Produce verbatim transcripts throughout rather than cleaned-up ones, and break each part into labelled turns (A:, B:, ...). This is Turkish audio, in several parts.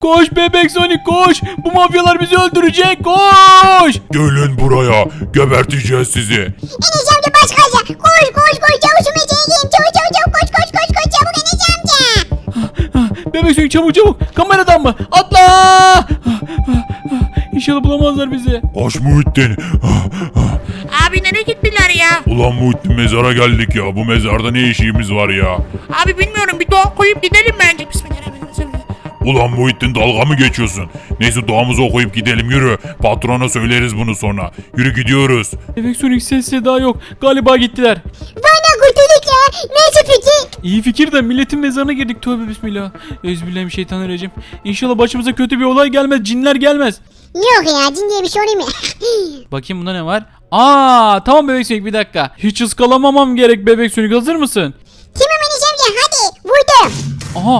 A: Koş bebek Sonic koş. Bu mafyalar bizi öldürecek. Koş.
B: Gelin buraya. Geberteceğiz sizi.
C: Enes amca baş kaza. Koş koş koş çavuş Umut'a gideyim. Çabuk çabuk çabuk koş koş koş koş çabuk Enes amca.
A: Bebek Sonic çabuk çabuk. Kameradan mı? Atla. İnşallah bulamazlar bizi.
B: Koş Muhittin.
D: Abi nereye gittiler ya?
B: Ulan Muhittin mezara geldik ya. Bu mezarda ne işimiz var ya?
D: Abi bilmiyorum bir dua koyup gidelim bence. Bismillahirrahmanirrahim.
B: Ulan Muhittin dalga mı geçiyorsun? Neyse duamızı okuyup gidelim yürü. Patrona söyleriz bunu sonra. Yürü gidiyoruz.
A: Bebek Sonic ses seda yok. Galiba gittiler.
C: Bana kurtulduk ya. Neyse peki.
A: İyi fikir de milletin mezarına girdik. Tövbe bismillah. Ezbillahimineşşeytanirracim. İnşallah başımıza kötü bir olay gelmez. Cinler gelmez.
C: Yok ya cin diye bir şey olur mu?
A: Bakayım bunda ne var? Aa tamam Bebek Sonic bir dakika. Hiç ıskalamamam gerek Bebek Sonic. Hazır mısın?
C: Tamam Enes amca hadi vurdum.
A: Aha.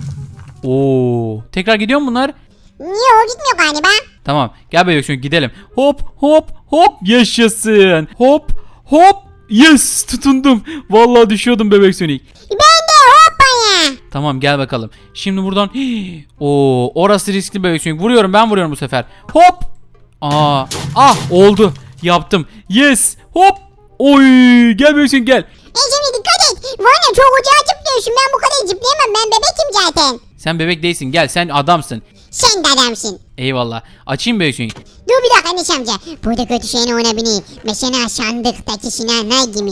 A: Oo. Tekrar gidiyor mu bunlar?
C: Yok gitmiyor galiba.
A: Tamam. Gel Bebek Sonic gidelim. Hop hop hop. Yaşasın. Hop hop. Yes tutundum. Vallahi düşüyordum Bebek Sonic.
C: Ben de hoppaya.
A: Tamam gel bakalım. Şimdi buradan Oo, orası riskli Bebek Sonic. Vuruyorum ben vuruyorum bu sefer. Hop. Aa, ah oldu. Yaptım. Yes. Hop. Oy, gel Bebek Sonic gel.
C: Enes amca dikkat et. Valla çok uzağa zıplıyorsun. Ben bu kadar zıplayamam. Ben bebekim zaten.
A: Sen bebek değilsin. Gel sen adamsın.
C: Sen de adamsın.
A: Eyvallah. Açayım Bebek Sonic.
C: Dur bir dakika Enes amca. Burada kötü şeyin olabilir. Mesela sandıktaki sinanlar gibi.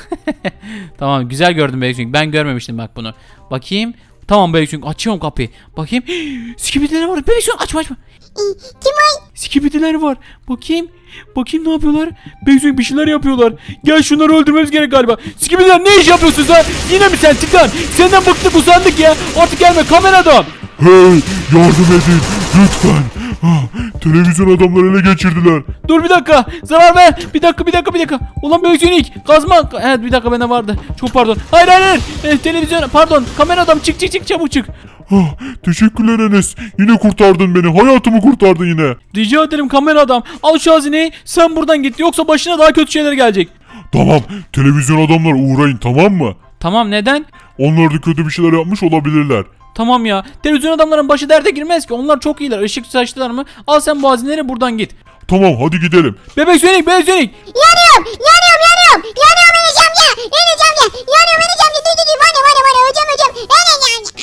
A: Tamam güzel gördüm Bebek Sonic. Ben görmemiştim bak bunu. Bakayım. Tamam Bebek Sonic açıyorum kapıyı. Bakayım. Skibidiler var. Bebek Sonic açma açma.
C: Ee, Kim o?
A: Skibidiler var. Bakayım. Bakayım ne yapıyorlar? Bebek Sonic bir şeyler yapıyorlar. Gel şunları öldürmemiz gerek galiba. Skibidiler ne iş yapıyorsun sen? Yine mi sen Titan? Senden bıktık usandık ya. Artık gelme kameradan.
B: Hey yardım edin lütfen. Ah, televizyon adamları ele geçirdiler.
A: Dur bir dakika. Zarar ver. Bir dakika bir dakika bir dakika. Ulan Bebek Sonic kazma. Evet bir dakika bende vardı. Çok pardon. Hayır hayır hayır. Eh, televizyon pardon. Kamera adam çık çık çık çabuk çık.
B: Ah, teşekkürler Enes. Yine kurtardın beni. Hayatımı kurtardın yine.
A: Rica ederim kamera adam. Al şu hazineyi. Sen buradan git. Yoksa başına daha kötü şeyler gelecek.
B: Tamam televizyon adamlar uğrayın tamam mı?
A: Tamam neden?
B: Onlar da kötü bir şeyler yapmış olabilirler.
A: Tamam ya. Televizyon adamların başı derde girmez ki. Onlar çok iyiler. Işık saçtılar mı? Al sen bu hazineleri buradan git.
B: Tamam hadi gidelim.
A: Bebek Sonic, Bebek Sonic.
C: Yanıyorum. Yanıyorum yanıyorum. Yanıyorum Enes amca. Enes amca. Yanıyorum Enes amca. Dur dur dur. Bana bana bana. Hocam hocam. Enes amca.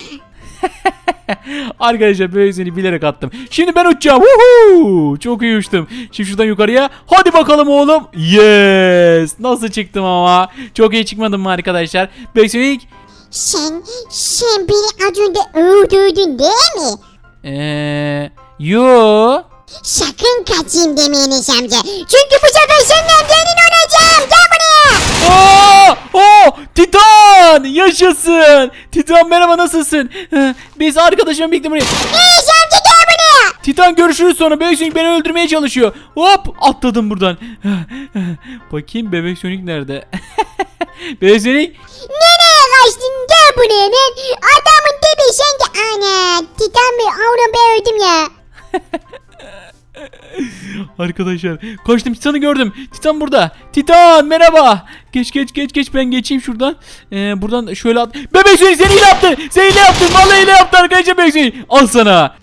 A: Arkadaşlar Bebek Sonic'i bilerek attım. Şimdi ben uçacağım. Woohoo! Çok iyi uçtum. Şimdi şuradan yukarıya. Hadi bakalım oğlum. Yes. Nasıl çıktım ama. Çok iyi çıkmadım mı arkadaşlar? Bebek Sonic.
C: Sen, sen beni az önce öldürdün değil mi?
A: Eee... Yo.
C: Sakın kaçayım deme Enes amca. Çünkü bu sefer senden senin olacağım. Gel buraya.
A: Aa! Oh! Titan! Yaşasın! Titan merhaba nasılsın? Ee, Biz arkadaşımla birlikte buraya...
C: Enes amca gel buraya.
A: Titan görüşürüz sonra. Bebek Sonic beni öldürmeye çalışıyor. Hop! Atladım buradan. Bakayım Bebek Sonic nerede? Bebek Sonic...
C: Nereye kaçtın? Gel buraya lan. Adamın tepe sen de. Ana. Titan Bey. Oğlum ben öldüm ya.
A: Arkadaşlar koştum Titan'ı gördüm. Titan burada. Titan merhaba. Geç geç geç geç ben geçeyim şuradan. Ee, buradan şöyle at. Bebek Sonic seni hile yaptı. Seni hile yaptı. Vallahi hile yaptı arkadaşlar Bebek Sonic. Al sana.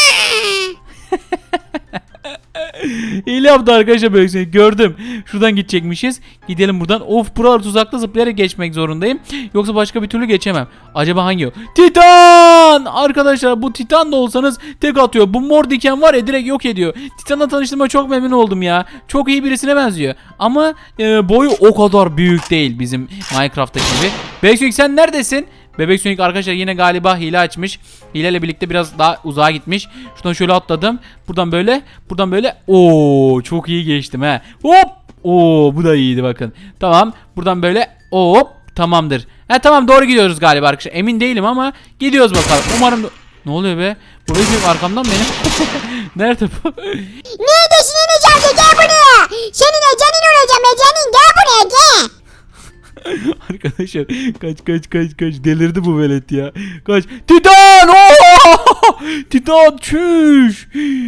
A: Hile yaptı arkadaşlar Bebek Sonic. Gördüm. Şuradan gidecekmişiz. Gidelim buradan. Of buralar tuzaklı zıplayarak geçmek zorundayım. Yoksa başka bir türlü geçemem. Acaba hangi o? Titan! Arkadaşlar bu Titan da olsanız tek atıyor. Bu mor diken var ya direkt yok ediyor. Titan'la tanıştığıma çok memnun oldum ya. Çok iyi birisine benziyor. Ama e, boyu o kadar büyük değil bizim Minecraft'taki gibi. Bebek Sonic sen neredesin? Bebek Sonic arkadaşlar yine galiba hile açmış. Hileyle birlikte biraz daha uzağa gitmiş. Şuradan şöyle atladım. Buradan böyle. Buradan böyle. Oo çok iyi geçtim he. Hop. Oo bu da iyiydi bakın. Tamam. Buradan böyle. Hop. Tamamdır. He tamam doğru gidiyoruz galiba arkadaşlar. Emin değilim ama gidiyoruz bakalım. Umarım... Ne oluyor be? Bu Bebek Sonic arkamdan benim. Nerede bu?
C: Neredesin Enes amca? Gel buraya. Seninle canın olacağım. Ben canın gel buraya gel.
A: Arkadaşlar kaç kaç kaç kaç delirdi bu velet ya. Kaç. Titan! Oha! Titan çüş.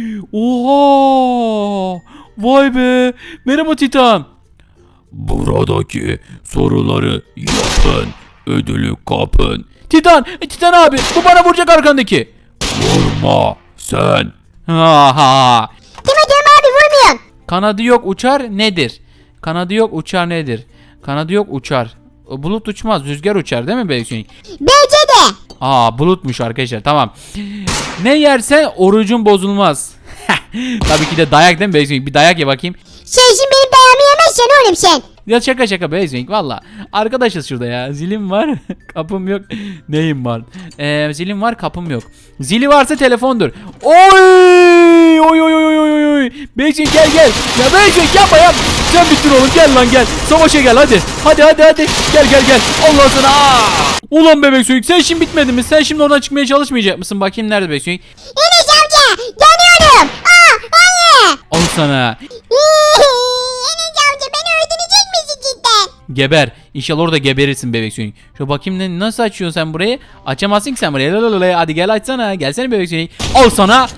A: Oha! Vay be. Merhaba Titan.
B: Buradaki soruları yapın. Ödülü kapın.
A: Titan, e, Titan abi bu bana vuracak arkandaki.
B: Vurma sen.
A: Ha ha.
C: Deme diyorum abi vurmuyorum.
A: Kanadı yok uçar nedir? Kanadı yok uçar nedir? Kanadı yok uçar. O bulut uçmaz, rüzgar uçar değil mi Bebek Sonic?
C: Bence de.
A: Aa bulutmuş arkadaşlar, tamam. Ne yersen orucun bozulmaz. Tabii ki de dayak değil mi Bebek Sonic? Bir dayak ye bakayım.
C: Sen şimdi benim dayağımı yemezsen oğlum sen.
A: Ya şaka şaka Bebek Sonic valla. Arkadaşız şurada ya. Zilim var, kapım yok. Neyim var? Ee, zilim var, kapım yok. Zili varsa telefondur. Oy! Oy oy oy oy oy oy. Bebek Sonic gel gel. Ya Bebek Sonic yapma yap. Sen bittin oğlum, gel lan gel. Savaşa gel hadi. Hadi hadi hadi. Gel gel gel. Allah sana. Aa! Ulan Bebek Sonic sen şimdi bitmedin mi? Sen şimdi oradan çıkmaya çalışmayacak mısın? Bakayım nerede Bebek Sonic?
C: Enes amca yanıyorum. Aa hayır.
A: Al sana.
C: Enes amca beni öldürecek misin cidden?
A: Geber. İnşallah orada geberirsin Bebek Sonic. Şu bakayım ne, nasıl açıyorsun sen burayı? Açamazsın ki sen burayı. Lalalala. Hadi gel açsana. Gelsene Bebek Sonic. Al sana.
C: Aa!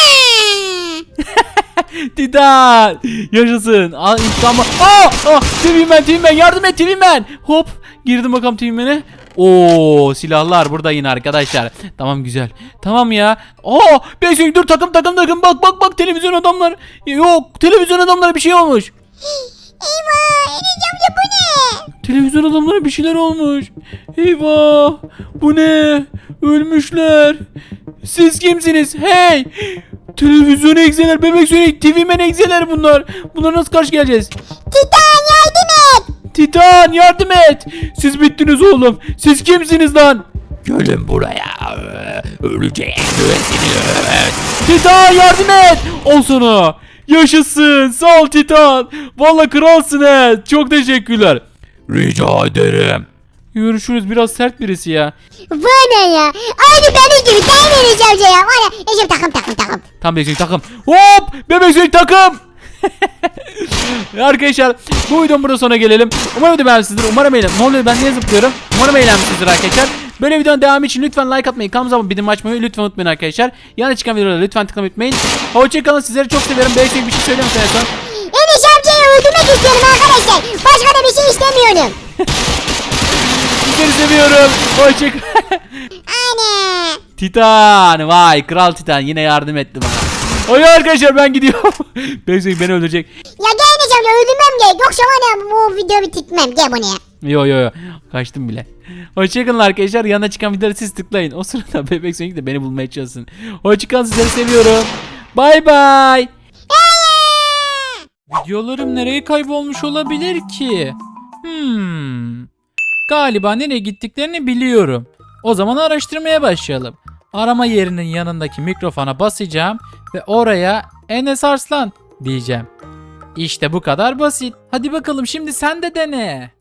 A: Titan. Yaşasın. Al intikamı. Aa! Aa! T V Man, T V Man yardım et T V Man. Hop. Girdim bakalım T V Man'e. Oo, silahlar burada yine arkadaşlar. Tamam güzel. Tamam ya. Aa! Bebek Sonic dur, takım takım takım. Bak bak bak, televizyon adamlar. Yok, televizyon adamlara bir şey olmuş.
C: Eyvah Enes amca bu ne?
A: Televizyon adamlara bir şeyler olmuş. Eyvah. Bu ne? Ölmüşler. Siz kimsiniz? Hey. Televizyon egzeler, Bebek Sonic, T V Man egzeler bunlar. Bunlara nasıl karşı geleceğiz?
C: Titan yardım et.
A: Titan yardım et. Siz bittiniz oğlum. Siz kimsiniz lan?
B: Gelin buraya. Öleceğim.
A: Titan yardım et. Ol sana. Yaşasın. Sağ ol Titan. Vallahi kralsın he. Çok teşekkürler.
B: Rica ederim.
A: Görüşürüz. Biraz sert birisi ya.
C: Bu ne ya? Aynı benim gibi değil mi Enes amca ya? Var ya Enes takım takım takım.
A: Tam Bebek Sonic takım. Hop! Bebek Sonic takım. Arkadaşlar bu videonun burada sonuna gelelim. Umarım video beğenmişsinizdir. Umarım eğlen. Ne oluyor, ben niye zıplıyorum? Umarım eğlenmişsinizdir arkadaşlar. Böyle videonun devamı için lütfen like atmayı, kanalımıza abone bildirim açmayı lütfen unutmayın arkadaşlar. Yana çıkan videolara lütfen tıklamayı unutmayın. Hoşçakalın, sizleri çok seviyorum. Bebek Sonic bir şey söylemek istersen.
C: Enes amcayı öldürmek istiyorum arkadaşlar. Başka da bir şey istemiyorum.
A: Sizleri seviyorum. Hoşçakalın.
C: Anne.
A: Titan, vay kral Titan yine yardım etti bana. Oy arkadaşlar ben gidiyorum. Bebek Sonic beni öldürecek.
C: Ya gel Enes amca öldürmem gerek. Yoksa var ya bu videoyu bitirtmem. Gel buraya.
A: Yo yo yo. Kaçtım bile. Hoşçakalın arkadaşlar. Yanına çıkan videoları siz tıklayın. O sırada Bebek Sonic de beni bulmaya çalışsın. Hoşçakalın, sizleri seviyorum. Bay bay. Videolarım nereye kaybolmuş olabilir ki? Hmm. Galiba nereye gittiklerini biliyorum. O zaman araştırmaya başlayalım. Arama yerinin yanındaki mikrofona basacağım ve oraya Enes Arslan diyeceğim. İşte bu kadar basit. Hadi bakalım şimdi sen de dene.